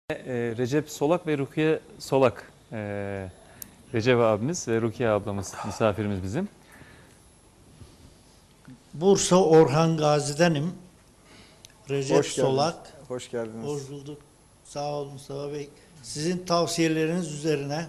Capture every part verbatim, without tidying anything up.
Ee, Recep Solak ve Rukiye Solak. Ee, Recep abimiz ve Rukiye ablamız misafirimiz bizim. Bursa Orhan Gazi'denim. Recep Hoş geldiniz. Solak. Hoş geldiniz. Hoş bulduk. Sağ olun Mustafa Bey. Sizin tavsiyeleriniz üzerine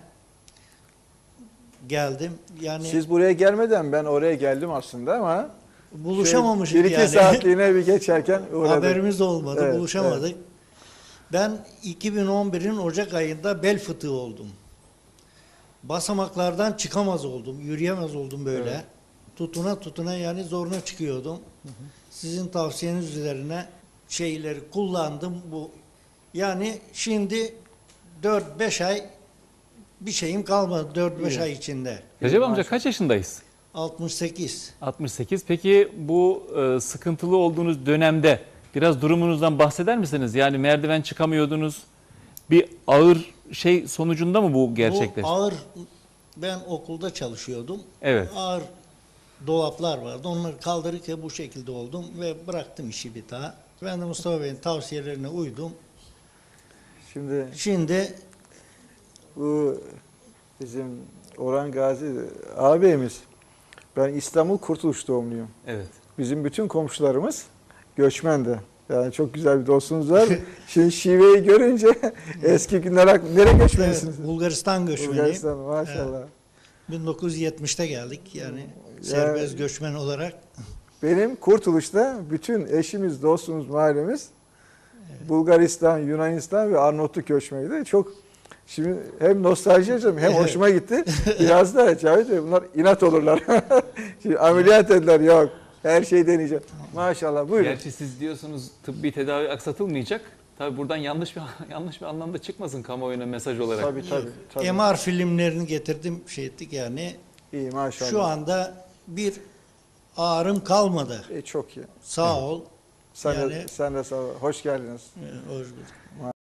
geldim. Yani Siz buraya gelmeden ben oraya geldim aslında ama buluşamamışız bir iki yani. saatliğine bir geçerken uğradım. Haberimiz de olmadı. Evet, buluşamadık. Ben iki bin on birin Ocak ayında bel fıtığı oldum. Basamaklardan çıkamaz oldum. Yürüyemez oldum böyle. Evet. Tutuna tutuna yani zoruna çıkıyordum. Hı hı. Sizin tavsiyeniz üzerine şeyleri kullandım. Bu yani şimdi dört beş ay bir şeyim kalmadı dört beş İyi. ay içinde. Recep amca maşallah. kaç yaşındayız? altmış sekiz. altmış sekiz. Peki bu e, sıkıntılı olduğunuz dönemde biraz durumunuzdan bahseder misiniz? Yani merdiven çıkamıyordunuz. Bir ağır şey sonucunda mı bu gerçekleşti? Bu ağır, ben okulda çalışıyordum. Evet. Ağır dolaplar vardı. Onları kaldırırken bu şekilde oldum ve bıraktım işi bir daha. Ben de Mustafa Bey'in tavsiyelerine uydum. Şimdi Şimdi bu bizim Orhan Gazi ağabeyimiz. Ben İstanbul Kurtuluş doğumluyum. Evet. Bizim bütün komşularımız göçmen de. Yani çok güzel bir dostunuz var. Şimdi şiveyi görünce eski günler ak- nereye göçmenisiniz? evet, Bulgaristan göçmeniyim. Bulgaristan maşallah. bin dokuz yüz yetmişte geldik yani serbest göçmen olarak. Benim Kurtuluş'ta bütün eşimiz, dostumuz, mahallemiz Bulgaristan, Yunanistan ve Arnavutluk göçmeniydi. Çok şimdi hem nostalji yaşadım hem Evet. hoşuma gitti. Biraz da Cavit Bey bunlar inat olurlar. Şimdi ameliyat dediler yok. Her şeyi deneyeceğim. Maşallah buyurun. Gerçi siz diyorsunuz tıbbi tedavi aksatılmayacak. Tabii buradan yanlış bir yanlış bir anlamda çıkmasın kamuoyuna mesaj olarak. Tabii tabii. tabii. M R filmlerini getirdim şey ettik yani. İyi maşallah. Şu anda bir ağrım kalmadı. E, çok iyi. Sağ ol. Sen, Yani- de, sen de sağ ol. Hoş geldiniz. Ee, hoş bulduk.